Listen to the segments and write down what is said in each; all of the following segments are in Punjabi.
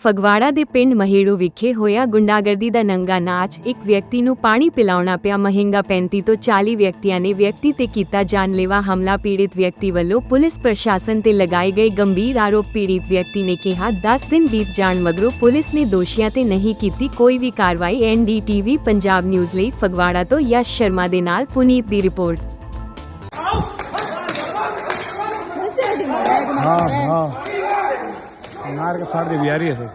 ਫਗਵਾੜਾ ਦੇ ਪਿੰਡ ਮਹੇੜੂ ਵਿਖੇ ਹੋਇਆ ਗੁੰਡਾਗਰਦੀ ਦਾ ਨੰਗਾ ਨਾਚ। ਇੱਕ ਵਿਅਕਤੀ ਨੂੰ ਪਾਣੀ ਪਿਲਾਉਣਾ ਪਿਆ ਮਹਿੰਗਾ। 35 ਤੋਂ 40 ਵਿਅਕਤੀਆਂ ਨੇ ਵਿਅਕਤੀ ਤੇ ਕੀਤਾ ਜਾਨਲੇਵਾ ਹਮਲਾ। ਪੀੜਿਤ ਵਿਅਕਤੀ ਵੱਲੋਂ ਪੁਲਿਸ ਪ੍ਰਸ਼ਾਸਨ ਤੇ ਲਗਾਏ ਗਏ ਗੰਭੀਰ ਆਰੋਪ। ਪੀੜਿਤ ਵਿਅਕਤੀ ਨੇ ਕਿਹਾ 10 ਦਿਨ ਬੀਤ ਜਾਣ ਮਗਰੋਂ ਪੁਲਿਸ ਨੇ ਦੋਸ਼ੀਆਂ ਤੇ ਨਹੀਂ ਕੀਤੀ ਕੋਈ ਵੀ ਕਾਰਵਾਈ। NDTV ਪੰਜਾਬ ਨਿਊਜ਼ ਲਈ ਫਗਵਾੜਾ ਤੋਂ ਯਸ਼ ਸ਼ਰਮਾ ਦੇ ਨਾਲ ਪੁਨੀਤ ਦੀ ਰਿਪੋਰਟ। मार के फाड़ दे बिहारी है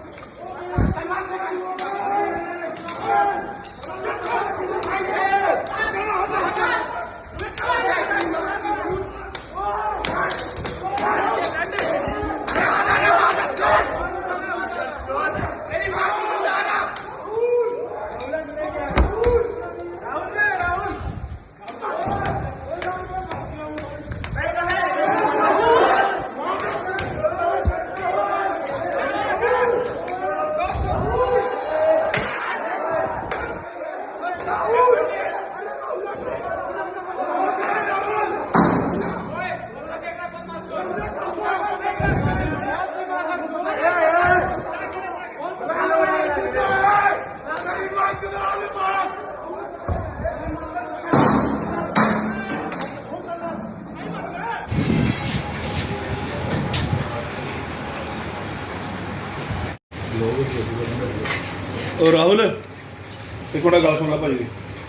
और राहुल एक मिनट गल सुन ला भाजी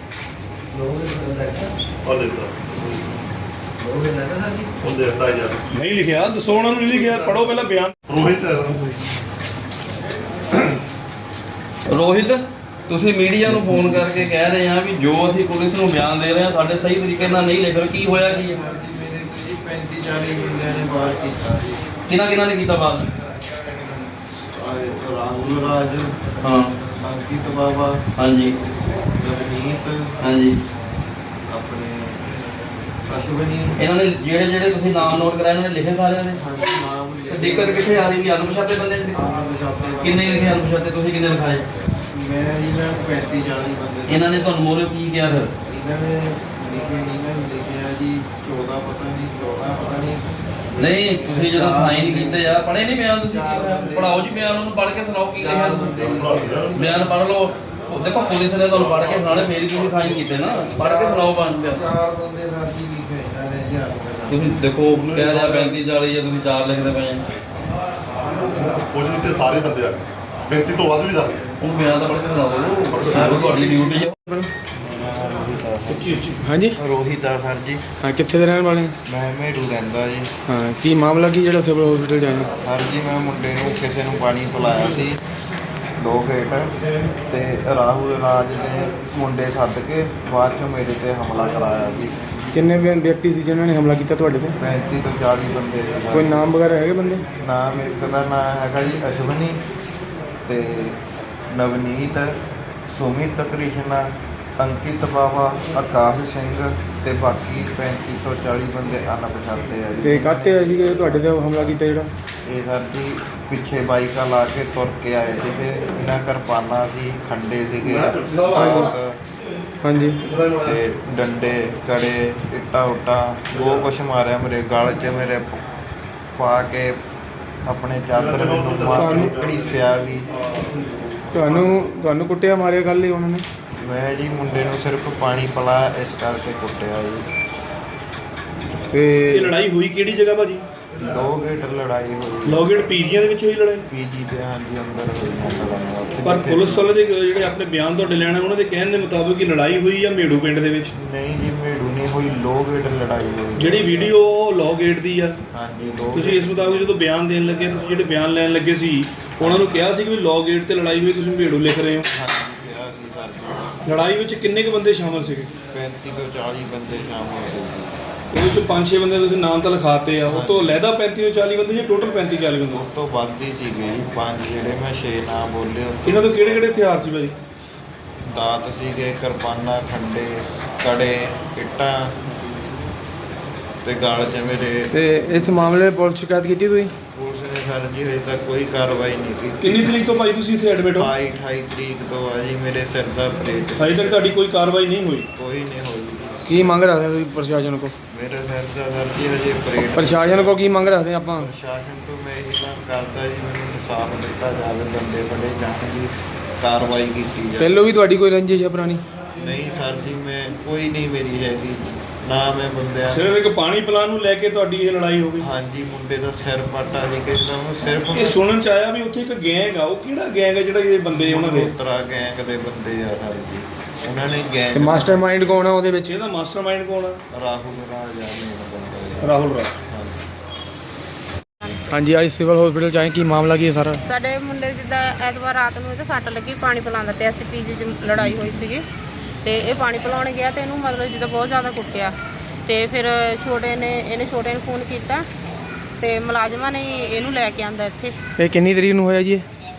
नहीं लिखिया दसो उन्होंने नहीं लिखिया पढ़ो पहला बयान। रोहित ਤੁਸੀਂ ਮੀਡੀਆ ਨੂੰ ਫੋਨ ਕਰਕੇ ਕਹਿ ਰਹੇ ਆ ਵੀ ਜੋ ਅਸੀਂ ਪੁਲਿਸ ਨੂੰ ਬਿਆਨ ਦੇ ਰਹੇ ਆ ਸਾਡੇ ਸਹੀ ਤਰੀਕੇ ਨਾਲ ਨਹੀਂ ਲਿਖ ਰਹੇ। ਕੀ ਹੋਇਆ ਕੀ ਹੈ? ਮੇਰੇ ਜੀ 35-40 ਬੰਦਿਆਂ ਨੇ ਬਾਹਰ ਕੀਤਾ ਜੀ। ਕਿਹਨਾਂ ਨੇ ਕੀਤਾ ਬਾਤ? ਰਾਹੁਲ ਰਾਜ, ਹਾਂ, ਅੰਕਿਤ ਬਾਬਾ, ਹਾਂਜੀ, ਰਵਨੀਤ, ਹਾਂਜੀ, ਆਪਣੇ ਅਸ਼ਵਨੀ। ਇਹਨਾਂ ਨੇ ਜਿਹੜੇ ਤੁਸੀਂ ਨਾਮ ਨੋਟ ਕਰਾਏ ਇਹਨਾਂ ਨੇ ਲਿਖੇ ਸਾਰਿਆਂ ਦੇ? ਹਾਂਜੀ, ਨਾਮ ਤੇ ਦਿੱਕਤ ਕਿੱਥੇ ਆ ਰਹੀ ਵੀ ਅਣਪਛਾਤੇ ਬੰਦੇ ਕਿੰਨੇ ਲਿਖੇ ਅਣਪਛਾਤੇ? ਤੁਸੀਂ ਕਿੰਨੇ ਲਿਖਾਏ? ਮੈਂ ਜੀ 35-40 ਬੰਦੇ। ਇਹਨਾਂ ਨੇ ਤੁਹਾਨੂੰ ਮੋਰੇ ਕੀ ਕਿਹਾ ਫਿਰ? ਇਹਨਾਂ ਨੇ ਲਿਖਿਆ ਜੀ 14 ਪਤਾ ਨਹੀਂ ਨਹੀਂ ਤੁਸੀਂ ਜਦੋਂ ਸਾਈਨ ਕੀਤੇ ਆ ਪੜ੍ਹੇ ਨਹੀਂ ਬਿਆਨ? ਤੁਸੀਂ ਪੜਾਓ ਜੀ ਬਿਆਨ, ਉਹਨੂੰ ਪੜ੍ਹ ਕੇ ਸੁਣਾਓ ਕੀ ਲਿਖਿਆ ਤੁਸੀਂ। ਬਿਆਨ ਪੜ੍ਹ ਲਓ। ਦੇਖੋ ਪੁਲਿਸ ਨੇ ਤੁਹਾਨੂੰ ਪੜ੍ਹ ਕੇ ਸੁਣਾਉਣੇ, ਫੇਰ ਹੀ ਤੁਸੀਂ ਸਾਈਨ ਕੀਤੇ ਨਾ। ਪੜ੍ਹ ਕੇ ਸੁਣਾਓ ਬਿਆਨ। 4 ਬੰਦੇ ਸਰ ਜੀ ਲਿਖੇ ਇਹਨਾਂ ਨੇ ਜੀ। ਤੁਸੀਂ ਦੇਖੋ ਕਹਿ ਰਿਹਾ 35-40 ਜਾਂ ਤੁਸੀਂ 4 ਲਿਖਦੇ ਪਏ ਆ। ਕੁਝ ਨਹੀਂ ਤੇ ਸਾਰੇ ਬੰਦੇ ਆ 35 ਤੋਂ ਵੱਧ ਵੀ ਜਾਂਦੇ। ਉਹਨੂੰ ਬਿਆਨ ਤਾਂ ਪੜ੍ਹ ਕੇ ਸੁਣਾਓ, ਤੁਹਾਡੀ ਡਿਊਟੀ ਹੈ। हाँ जी ਰੋਹਿਤ ਆ ਸਰ ਜੀ। हाँ कितने ਦੇ रहने वाले हैं? ਮੈਂ ਮੇੜੂ ਰਹਿੰਦਾ ਜੀ। हाँ की मामला की ਜਿਹੜਾ ਸਿਵਲ ਹਸਪੀਟਲ ਜਾਏ? ਸਰ ਜੀ ਮੈਂ ਮੁੰਡੇ ਨੂੰ ਕਿਸੇ ਨੂੰ ਪਾਣੀ ਪਿਲਾਇਆ ਸੀ 2 ਗੇਟ ਤੇ ਰਾਹੁਲ ਰਾਜ ਨੇ ਮੁੰਡੇ ਸੱਦ ਕੇ ਬਾਅਦ ਚੋਂ ਮੇਰੇ ਤੇ ਹਮਲਾ ਕਰਾਇਆ ਜੀ। ਕਿੰਨੇ ਵਿਅਕਤੀ ਸੀ ਜਿਨ੍ਹਾਂ ਨੇ ਹਮਲਾ ਕੀਤਾ ਤੁਹਾਡੇ ਤੇ? 35 ਤੋਂ 40 ਬੰਦੇ ਸੀ। ਕੋਈ ਨਾਮ ਵਗੈਰਾ ਹੈਗੇ ਬੰਦੇ? ਨਾਮ ਇੱਕ ਦਾ ਨਾਮ ਹੈਗਾ ਜੀ ਅਸ਼ਵਨੀ ਤੇ ਨਵਨੀਤ, ਸੁਮਿਤ ਕ੍ਰਿਸ਼ਨਾ, ਅੰਕਿਤ ਬਾਵਾ, ਆਕਾਸ਼ ਸਿੰਘ ਤੇ ਬਾਕੀ 35 ਤੋਂ 40 ਬੰਦੇ ਅਣਪਛਾਤੇ ਆ ਜੀ। ਤੇ ਕਾਹਤੇ ਆਏ ਸੀਗੇ ਤੁਹਾਡੇ ਤੇ ਹਮਲਾ ਕੀਤਾ ਜਿਹੜਾ? ਇਹ ਸਰ ਜੀ ਪਿੱਛੇ ਬਾਈਕਾਂ ਲਾ ਕੇ ਤੁਰ ਕੇ ਆਏ ਸੀ ਤੇ ਇਹਨਾਂ ਕਿਰਪਾਨਾਂ ਸੀ, ਖੰਡੇ ਸੀਗੇ, ਹਾਂਜੀ, ਤੇ ਡੰਡੇ, ਕੜੇ, ਇੱਟਾਂ ਉੱਟਾਂ ਬਹੁਤ ਕੁਛ ਮਾਰਿਆ ਮੇਰੇ ਗਲ 'ਚ, ਮੇਰੇ ਪਾ ਕੇ ਆਪਣੇ ਚਾਦਰ ਨੂੰ ਮਾਰ ਘੜੀਸਿਆ ਵੀ। ਤੁਹਾਨੂੰ ਕੁੱਟਿਆ ਮਾਰਿਆ ਗੱਲ ਹੀ ਉਹਨਾਂ ਨੇ? ਮੈਂ ਜੀ ਮੁੰਡੇ ਨੂੰ ਸਿਰਫ ਪਾਣੀ ਪਿਲਾਇਆ ਇਸ ਕਰਕੇ ਕੁੱਟਿਆ ਜੀ। ਤੇ ਇਹ ਲੜਾਈ ਹੋਈ ਕਿਹੜੀ ਜਗ੍ਹਾ ਭਾਜੀ? 2 ਗੇਟ ਲੜਾਈ ਹੋਈ। ਲੋਗੇਟ ਪੀਜੀਆਂ ਦੇ ਵਿੱਚ ਹੋਈ ਲੜਾਈ? ਪੀਜੀ ਦੇ ਹਾਂਜੀ ਅੰਦਰ ਹੋਈ ਨਾ ਲੜਾਈ। ਪਰ ਪੁਲਿਸ ਵਾਲੇ ਦੇ ਜਿਹੜੇ ਆਪਣੇ ਬਿਆਨ ਤੁਹਾਡੇ ਲੈਣਾ ਉਹਨਾਂ ਦੇ ਕਹਿਣ ਦੇ ਮੁਤਾਬਕ ਕਿ ਲੜਾਈ ਹੋਈ ਜਾਂ ਮੇੜੂ ਪਿੰਡ ਦੇ ਵਿੱਚ? ਨਹੀਂ ਜੀ ਮੇੜੂ ਨਹੀਂ ਹੋਈ, 2 ਗੇਟ ਲੜਾਈ ਹੋਈ। ਜਿਹੜੀ ਵੀਡੀਓ ਲੋਗੇਟ ਦੀ ਆ, ਹਾਂਜੀ 2। ਤੁਸੀਂ ਇਸ ਮੁਤਾਬਕ ਜਦੋਂ ਬਿਆਨ ਦੇਣ ਲੱਗੇ, ਤੁਸੀਂ ਜਿਹੜੇ ਬਿਆਨ ਲੈਣ ਲੱਗੇ ਸੀ ਉਹਨਾਂ ਨੂੰ ਕਿਹਾ ਸੀ ਕਿ ਲੋਗੇਟ ਤੇ ਲੜਾਈ ਹੋਈ, ਤੁਸੀਂ ਮੇੜੂ ਲਿਖ ਰਹੇ ਹੋ? ਹਾਂਜੀ ਕਿਹਾ ਸੀ ਸਰ ਜੀ। ਲੜਾਈ ਵਿੱਚ ਕਿੰਨੇ ਕੁ ਬੰਦੇ ਸ਼ਾਮਲ ਸੀਗੇ? 35 ਤੋਂ 40 ਬੰਦੇ ਸ਼ਾਮਲ ਸੀ। ਉਹਦੇ ਵਿੱਚ 5-6 ਬੰਦੇ ਤੁਸੀਂ ਨਾਮ ਤਾਂ ਲਿਖਾਤੇ ਆ, ਉਹ ਤੋਂ ਲਹਿਦਾ 35 ਤੋਂ 40 ਬੰਦੇ ਜਾਂ ਟੋਟਲ 35-40 ਬੰਦੇ? ਉਸ ਤੋਂ ਵੱਧ ਹੀ ਸੀਗੇ ਜੀ 5 ਜਿਹੜੇ ਮੈਂ 6 ਨਾਮ ਬੋਲੇ। ਇਹਨਾਂ ਤੋਂ ਕਿਹੜੇ ਹਥਿਆਰ ਸੀ ਭਾਜੀ? ਦਾਤ ਸੀਗੇ, ਕਿਰਪਾਨਾਂ, ਖੰਡੇ, ਕੜੇ, ਇੱਟਾਂ ਤੇ ਗਲ 'ਚ ਮੇਰੇ। ਤੇ ਇਸ ਮਾਮਲੇ ਪੁਲਿਸ ਸ਼ਿਕਾਇਤ ਕੀਤੀ ਤੁਸੀਂ? ਪੁਲਿਸ ਨੇ ਸਰ ਜੀ ਹਜੇ ਤੱਕ ਕੋਈ ਕਾਰਵਾਈ ਨਹੀਂ ਕੀਤੀ। ਕਿੰਨੀ ਤਰੀਕ ਤੋਂ ਭਾਈ ਤੁਸੀਂ ਇੱਥੇ ਐਡਮਿਟ ਹੋ? 28 ਤਰੀਕ ਤੋਂ ਆ ਜੀ। ਮੇਰੇ ਸਿਰ ਦਾ ਆਪਰੇਟ ਹਜੇ ਤੱਕ ਤੁਹਾਡੀ ਕੋਈ ਕਾਰਵਾਈ ਨਹੀਂ ਹੋਈ? ਕੋਈ ਨਹੀਂ ਹੋਈ। ਕੀ ਮੰਗ ਰੱਖਦੇ ਹੋ ਤੁਸੀਂ ਪ੍ਰਸ਼ਾਸਨ ਕੋ? ਮੇਰੇ ਸਿਰ ਦਾ ਸਰ ਜੀ ਹਜੇ ਪਰੇਡ ਪ੍ਰਸ਼ਾਸਨ ਕੋ ਕੀ ਮੰਗ ਰੱਖਦੇ ਆਪਾਂ? ਪ੍ਰਸ਼ਾਸਨ ਤੋਂ ਮੈਂ ਇਹ ਮੰਗ ਕਰਦਾ ਜੀ, ਮੈਨੂੰ ਇਨਸਾਫ ਦਿੱਤਾ ਜਾਵੇ, ਬੰਦੇ ਫੜੇ ਜਾਣ ਜੀ, ਕਾਰਵਾਈ ਕੀਤੀ ਜਾਵੇ। ਪਹਿਲੋਂ ਵੀ ਤੁਹਾਡੀ ਕੋਈ ਰੰਜਿਸ਼ ਹੈ ਪੁਰਾਣੀ? ਨਹੀਂ ਸਰ ਜੀ, ਮੈਂ ਕੋਈ ਨਹੀਂ ਮੇਰੀ ਹੈਗੀ, ਨਾ ਮੈਂ ਬੰਦਿਆਂ ਸਿਰਫ ਇੱਕ ਪਾਣੀ ਪਿਲਾਉਣ ਨੂੰ ਲੈ ਕੇ ਤੁਹਾਡੀ ਇਹ ਲੜਾਈ ਹੋ ਗਈ? ਹਾਂਜੀ, ਮੁੰਡੇ ਦਾ ਸਿਰ ਪਾਟਾ ਜੀ ਕਹਿੰਦਾ ਉਹਨੂੰ ਸਿਰਫ ਇਹ ਸੁਣਨ ਚ ਆਇਆ ਵੀ ਉੱਥੇ ਇੱਕ ਗੈਂਗ ਆ, ਉਹ ਕਿਹੜਾ ਗੈਂਗ ਆ ਜਿਹੜਾ ਇਹ ਬੰਦੇ ਉਹਨਾਂ ਦੇ? ਉਤਰਾ ਗੈਂਗ ਦੇ ਬੰਦੇ ਆ ਸਰ ਜੀ, ਉਹਨਾਂ ਨੇ ਗੈਂਗ ਤੇ ਮਾਸਟਰਮਾਈਂਡ ਕੌਣ ਆ ਉਹਦੇ ਵਿੱਚ? ਇਹਦਾ ਮਾਸਟਰਮਾਈਂਡ ਕੌਣ ਆ? ਰਾਹੁਲ ਰਾਜਾ ਨੇ ਬੰਦਾ ਰਾਹੁਲ ਰਾਜ। ਹਾਂਜੀ। ਹਾਂਜੀ, ਅੱਜ ਸਿਵਲ ਹਸਪੀਟਲ ਚ ਆਏ, ਕੀ ਮਾਮਲਾ ਕੀ ਹੈ ਸਾਰਾ? ਸਾਡੇ ਮੁੰਡੇ ਜਿੱਦਾਂ ਐਤਵਾਰ ਰਾਤ ਨੂੰ ਤੇ ਸੱਟ ਲੱਗੀ, ਪਾਣੀ ਪਿਲਾਉਂਦਾ ਪਿਆ ਸੀ, ਪੀਜੀ 'ਚ ਲੜਾਈ ਹੋਈ ਸੀਗੀ ਤੇ ਇਹ ਪਾਣੀ ਪਿਲਾਉਣ ਗਿਆ ਤੇ ਇਹਨੂੰ ਮਤਲਬ ਜਿੱਦਾਂ ਬਹੁਤ ਜ਼ਿਆਦਾ ਕੁੱਟਿਆ ਤੇ ਫਿਰ ਇਹਨੇ ਛੋਟੇ ਨੂੰ ਫੋਨ ਕੀਤਾ ਤੇ ਮੁਲਾਜ਼ਮਾਂ ਨੇ ਇਹਨੂੰ ਲੈ ਕੇ ਆਂਦਾ ਇੱਥੇ। ਇਹ ਕਿੰਨੀ ਤਰੀਕ ਨੂੰ ਹੋਇਆ ਜੀ?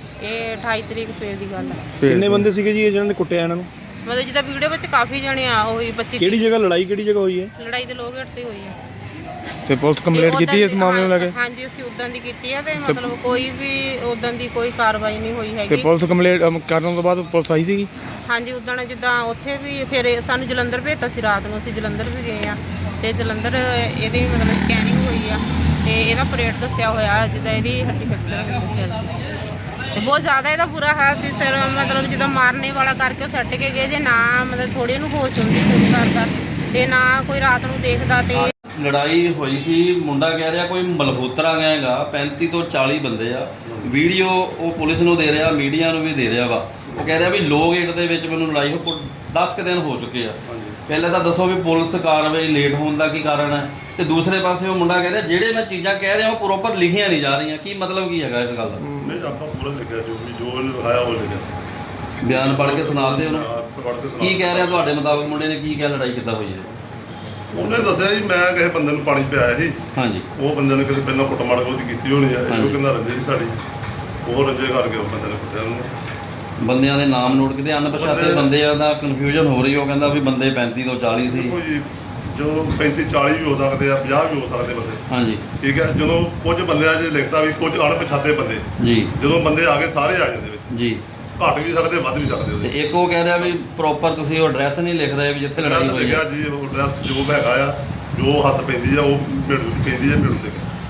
ਇਹ 28 ਤਰੀਕ ਸਵੇਰ ਦੀ ਗੱਲ ਹੈ। ਕਿੰਨੇ ਬੰਦੇ ਸੀਗੇ ਜੀ ਇਹ ਜਿਹਨਾਂ ਨੇ ਕੁੱਟਿਆ ਇਹਨਾਂ ਨੂੰ? ਮਤਲਬ ਜਿੱਦਾਂ ਵੀਡੀਓ ਵਿੱਚ ਕਾਫੀ ਜਣੇ ਆ, ਉਹੀ 25 ਕਿਹੜੀ ਜਗ੍ਹਾ ਲੜਾਈ ਕਿਹੜੀ ਜਗ੍ਹਾ ਹੋਈ ਹੈ? ਲੜਾਈ ਦੇ ਲੋਕ ਤੇ ਹੋਈ ਹੈ। ਤੇ ਪੁਲਿਸ ਕੰਪਲੇਂਟ ਕੀਤੀ ਇਸ ਮਾਮਲੇ ਨੂੰ ਲੈ ਕੇ? ਹਾਂਜੀ, ਅਸੀਂ ਉਦੋਂ ਦੀ ਕੀਤੀ ਹੈ ਤੇ ਮਤਲਬ ਕੋਈ ਵੀ ਉਦੋਂ ਦੀ ਕੋਈ ਕਾਰਵਾਈ ਨਹੀਂ ਹੋਈ ਤੇ ਹੈਗੀ। ਪੁਲਿਸ ਕੰਪਲੇਂਟ ਕਰਨ ਤੋਂ ਬਾਅਦ ਪੁਲਿਸ ਆਈ ਸੀਗੀ? ਹਾਂਜੀ, ਉਦੋਂ ਜਿੱਦਾਂ ਉੱਥੇ ਵੀ ਫਿਰ ਸਾਨੂੰ ਜਲੰਧਰ ਭੇਜਤਾ ਸੀ ਰਾਤ ਨੂੰ, ਅਸੀਂ ਜਲੰਧਰ ਵੀ ਗਏ ਆ ਤੇ ਜਲੰਧਰ ਇਹਦੀ ਮਤਲਬ ਸਕੈਨਿੰਗ ਹੋਈ ਆ ਤੇ ਇਹਦਾ ਪਰੇਡ ਦੱਸਿਆ ਹੋਇਆ, ਜਿੱਦਾਂ ਇਹਦੀ ਹੱਡੀ ਫ੍ਰੈਕਚਰ ਹੋਈ ਸਿਰ ਦੀ ਤੇ ਬਹੁਤ ਜ਼ਿਆਦਾ ਇਹਦਾ ਬੁਰਾ ਹਾਲ ਸੀ। ਸਿਰ ਮਤਲਬ ਜਿੱਦਾਂ ਮਾਰਨੇ ਵਾਲਾ ਕਰਕੇ ਉਹ ਸੱਟ ਕੇ ਗਏ, ਜੇ ਨਾ ਮਤਲਬ ਥੋੜੀ ਇਹਨੂੰ ਹੋਸ਼ ਹੁੰਦੀ ਕੋਈ ਕਰਦਾ ਤੇ ਨਾ ਕੋਈ ਰਾਤ ਨੂੰ ਦੇਖਦਾ। ਤੇ ਲੜਾਈ ਹੋਈ ਸੀ, ਮੁੰਡਾ ਕਹਿ ਰਿਹਾ ਕੋਈ ਮਲਹੋਤਰਾ ਗੈਂਗ ਆ, 35 ਤੋਂ 40 ਬੰਦੇ ਆ। ਵੀਡੀਓ ਉਹ ਪੁਲਿਸ ਨੂੰ ਦੇ ਰਿਹਾ, ਮੀਡੀਆ ਨੂੰ ਵੀ ਦੇ ਰਿਹਾ ਵਾ। ਉਹ ਕਹਿ ਰਿਹਾ ਵੀ ਲੋਕ ਇੱਕ ਦੇ ਵਿੱਚ ਮੈਨੂੰ ਲੜਾਈ ਹੋ 10 ਕੁ ਦਿਨ ਹੋ ਚੁੱਕੇ ਆ। ਪਹਿਲਾਂ ਤਾਂ ਦੱਸੋ ਵੀ ਪੁਲਿਸ ਕਾਰਵਾਈ ਲੇਟ ਹੋਣ ਦਾ ਕੀ ਕਾਰਨ ਹੈ, ਤੇ ਦੂਸਰੇ ਪਾਸੇ ਉਹ ਮੁੰਡਾ ਕਹਿ ਰਿਹਾ ਜਿਹੜੇ ਮੈਂ ਚੀਜ਼ਾਂ ਕਹਿ ਰਿਹਾ ਉਹ ਪ੍ਰੋਪਰ ਲਿਖੀਆਂ ਨਹੀਂ ਜਾ ਰਹੀਆਂ। ਕੀ ਮਤਲਬ ਕੀ ਹੈਗਾ ਇਸ ਗੱਲ ਦਾ? ਨਹੀਂ, ਆਪਾਂ ਪੂਰਾ ਲਿਖਿਆ, ਜੋ ਉਹਨੇ ਲਿਖਾਇਆ ਉਹ ਲਿਖਿਆ। ਬਿਆਨ ਪੜ੍ਹ ਕੇ ਸੁਣਾਉਂਦੇ ਹੋ ਨਾ? ਪੜ੍ਹ ਕੇ ਸੁਣਾ। ਕੀ ਕਹਿ ਰਿਹਾ ਤੁਹਾਡੇ ਮੁਤਾਬਕ ਮੁੰਡੇ ਨੇ ਕੀ ਕਿਹਾ, ਲੜਾਈ ਕਿੱਦਾਂ ਹੋਈ ਹੈ? ਉਹਨੇ ਦੱਸਿਆ ਜੀ ਮੈਂ ਕਿਸੇ ਬੰਦੇ ਨੂੰ ਪਾਣੀ ਪਿਆਇਆ ਸੀ, ਹਾਂਜੀ, ਉਹ ਬੰਦੇ ਨੇ ਕਿਸੇ ਪਹਿਲਾਂ ਕੁੱਟਮਾਰ ਉਹਦੀ ਕੀਤੀ ਹੋਣੀ ਆ, ਹਾਂਜੀ। ਉਹ ਕਹਿੰਦਾ ਰੰਜੇ ਜੀ ਸਾਡੀ, ਉਹ ਰੰਜੇ ਕਰਕੇ ਉਹ ਬੰਦੇ ਨੇ ਕੁੱਟਿਆ ਉਹਨੂੰ। ਬੰਦਿਆਂ ਦੇ ਨਾਮ ਨੋਟ ਕੀਤੇ, ਅਣਪਛਾਤੇ ਬੰਦਿਆਂ ਦਾ ਕਨਫਿਊਜ਼ਨ ਹੋ ਰਹੀ। ਉਹ ਕਹਿੰਦਾ ਵੀ ਬੰਦੇ 35 ਤੋਂ 40 ਸੀ। ਦੇਖੋ ਜੀ, ਜੋ 35 40 ਵੀ ਹੋ ਸਕਦੇ ਆ, 50 ਵੀ ਹੋ ਸਕਦੇ ਬੰਦੇ, ਹਾਂਜੀ, ਠੀਕ ਹੈ। ਜਦੋਂ ਕੁਝ ਬੰਦਿਆਂ 'ਚ ਲਿਖਦਾ ਵੀ ਕੁਝ ਅਣਪਛਾਤੇ ਬੰਦੇ, ਜੀ ਜਦੋਂ ਬੰਦੇ ਆ ਗਏ ਸਾਰੇ ਆ ਜਾਂਦੇ ਵਿੱਚ, ਜੀ। ਘੱਟ ਵੀ ਸਕਦੇ ਵੱਧ ਵੀ ਸਕਦੇ ਤੇ ਉਹਦੇ। ਇੱਕ ਉਹ ਕਹਿ ਰਿਹਾ ਵੀ ਪ੍ਰੋਪਰ ਤੁਸੀਂ ਉਹ ਐਡਰੈਸ ਨਹੀਂ ਲਿਖ ਰਹੇ ਵੀ ਜਿੱਥੇ ਲੜਾਈ ਐਡਰੈਸ ਹੋਈ ਲਿਖਿਆ ਹੈ। ਜੀ, ਉਹ ਐਡਰੈਸ ਜੋ ਹੈਗਾ ਆ, ਜੋ ਹੱਥ ਪੈਂਦੀ ਆ ਉਹ ਪੈਂਦੀ ਆ ਮਿਲੂ ਦੇ।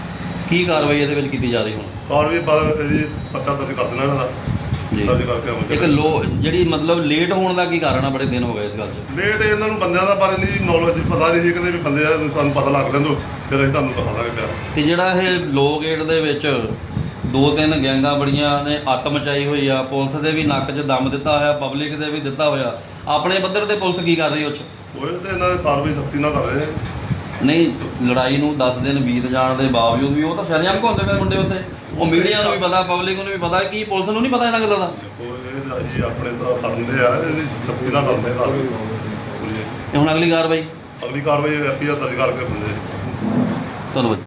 ਕੀ ਕਾਰਵਾਈ ਇਹਦੇ ਵਿੱਚ ਕੀਤੀ ਜਾ ਰਹੀ ਹੁਣ? ਔਰ ਵੀ ਬਾਅਦ ਇਹਦੀ ਪਰਚਾ ਦਰਜ ਕਰ ਦੇਣਾ ਇਹਨਾਂ ਦਾ, ਜੀ। ਦਰਜ ਕਰਕੇ ਆਵਾਂਗੇ। ਇੱਕ ਜਿਹੜੀ ਮਤਲਬ ਲੇਟ ਹੋਣ ਦਾ ਕੀ ਕਾਰਨ ਆ? ਬੜੇ ਦਿਨ ਹੋ ਗਏ ਇਸ ਗੱਲ 'ਚ। ਲੇਟ ਇਹਨਾਂ ਨੂੰ ਬੰਦਿਆਂ ਦਾ ਬਾਰੇ ਨਹੀਂ ਨੌਲੇਜ, ਪਤਾ ਨਹੀਂ ਸੀ, ਕਹਿੰਦੇ ਵੀ ਬੰਦੇ ਆ, ਸਾਨੂੰ ਪਤਾ ਲੱਗ ਲੈਂਦੋ ਫਿਰ ਅਸੀਂ ਤੁਹਾਨੂੰ ਦਿਖਾ ਦਾਂਗੇ ਪਿਆ। ਤੇ ਜਿਹੜਾ ਇਹ ਲੋ ਗੇਟ ਦੇ ਵਿੱਚ 2-3 ਗੈਂਗਾਂ ਬੜੀਆਂ ਨੇ ਅੱਤ ਮਚਾਈ ਹੋਈ ਆ, ਪੁਲਿਸ ਦੇ ਵੀ ਨੱਕ 'ਚ ਦਮ ਦਿੱਤਾ ਹੋਇਆ, ਪਬਲਿਕ ਦੇ ਵੀ ਦਿੱਤਾ ਹੋਇਆ। ਆਪਣੇ ਪੱਧਰ ਤੇ ਪੁਲਿਸ ਕੀ ਕਰ ਰਹੀ ਉਹ 'ਚ? ਉਹ ਤੇ ਇਹਨਾਂ ਦੀ ਕਾਰਵਾਈ ਸਖਤੀ ਨਾਲ ਕਰ ਰਹੇ ਆ। ਨਹੀਂ, ਲੜਾਈ ਨੂੰ 10 ਦਿਨ ਬੀਤ ਜਾਣ ਦੇ ਬਾਵਜੂਦ ਵੀ ਉਹ ਤਾਂ ਸ਼ਰੇਆਮ ਘੁੰਮਦੇ ਪਏ ਮੁੰਡੇ ਉੱਤੇ। ਉਹ ਮੀਡੀਆ ਨੂੰ ਵੀ ਪਤਾ, ਪਬਲਿਕ ਨੂੰ ਵੀ ਪਤਾ, ਕੀ ਪੁਲਿਸ ਨੂੰ ਨਹੀਂ ਪਤਾ ਇਹਨਾਂ ਗੱਲਾਂ ਦਾ? ਦੇਖੋ ਇਹ ਜੀ ਆਪਣੇ ਤਾਂ ਕਰਦੇ ਆ, ਇਹਦੀ ਸਖਤੀ ਨਾਲ ਕਰਦੇ ਕਾਰਵਾਈ ਪੂਰੀ। ਤੇ ਹੁਣ ਅਗਲੀ ਕਾਰਵਾਈ ਅਗਲੀ ਕਾਰਵਾਈ FIR ਦਰਜ ਕਰਕੇ ਬੰਦੇ ਧੰਨਵਾਦ।